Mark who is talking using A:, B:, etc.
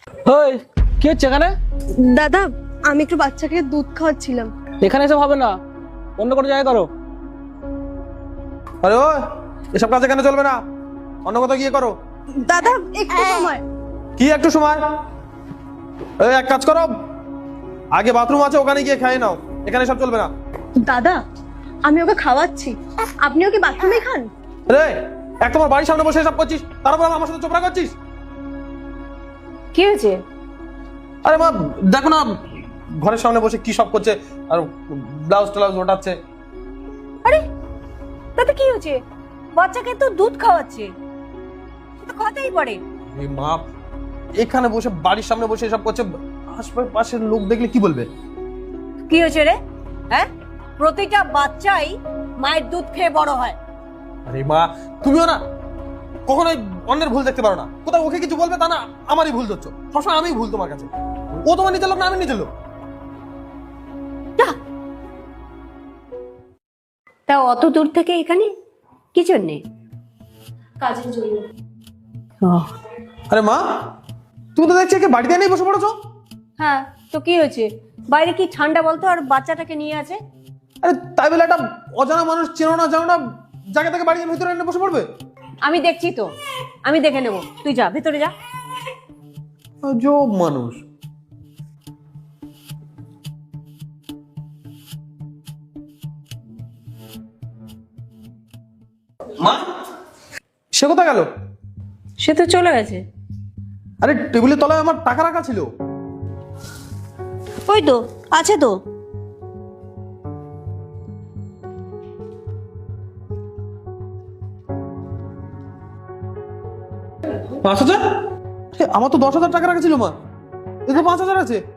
A: ওই কি হচ্ছে এখানে?
B: দাদা, আমি একটু বাচ্চাকে দুধ খাওয়াচ্ছিলাম।
A: এখানে এসব হবে না, অন্য কোনো জায়গায় করো।
C: আরে ও, এসব কাজ এখানে চলবে না, অন্য কোথাও গিয়ে করো।
B: দাদা একটু সময়।
C: কি একটু সময়? এই এক কাজ করো, আগে বাথরুম আছে, ওখানে গিয়ে খেয়ে নাও, এখানে সব চলবে না।
B: দাদা, আমি ওকে খাওয়াচ্ছি, আপনি ওকে বাথরুমে খান।
C: রে, এক তোমার বাড়ির সামনে বসে সব করছিস, তারপর আমার সাথে চোপড়া করছিস।
D: কি হয়েছে?
C: আরে মা দেখো না, ঘরের সামনে বসে কি সব করছে, আর ব্লাউজ ট্লাউজ ওঠাচ্ছে।
D: আরে তাতে কি হয়েছে? বাচ্চাকে তো দুধ খাওয়াচ্ছে, তো খাওয়াতেই পারে।
C: এই মা এখানে বসে বাড়ির সামনে বসে সব করছে, আশপাশের লোক দেখলে কি বলবে?
D: কি হয়েছে রে? হ্যাঁ, প্রতিটা বাচ্চাই মায়ের দুধ খেয়ে বড় হয়।
C: আরে মা তুমিও না কখনোই অন্যের ভুল দেখতে পারো না, কোথাও ওকে কিছু বলবে তা না আমারই ভুল ধরছো, সবসময় আমিই ভুল তোমার কাছে। ও তোমার নিজের লোক না আমি নিজের লোক।
D: তা অত দূর থেকে এখানে কি জন্যে?
B: কাজের জন্য।
C: আরে মা তুমি তো দেখছি একে বাড়িতে এনেই বসে পড়েছো।
D: হ্যাঁ, তো কি হয়েছে? বাইরে কি ঠান্ডা বলতো, আর বাচ্চাটাকে নিয়ে আছে।
C: আরে তাই বলে একটা অজানা মানুষ চেনো না জানো না জায়গা থেকে বাড়ির ভিতরে এনে বসে পড়বে?
D: আমি দেখছি তো, আমি দেখে নেব, তুই যা ভেতরে যা।
C: আজব মানুষ। মা সে কোথায় গেল?
D: সে তো চলে গেছে।
C: আরে টেবিলের তলায় আমার টাকা রাখা ছিল।
D: ওই তো আছে তো।
C: পাঁচ হাজার? আমার তো 10,000 টাকা রাখা ছিল মা, এই তো 5,000 আছে।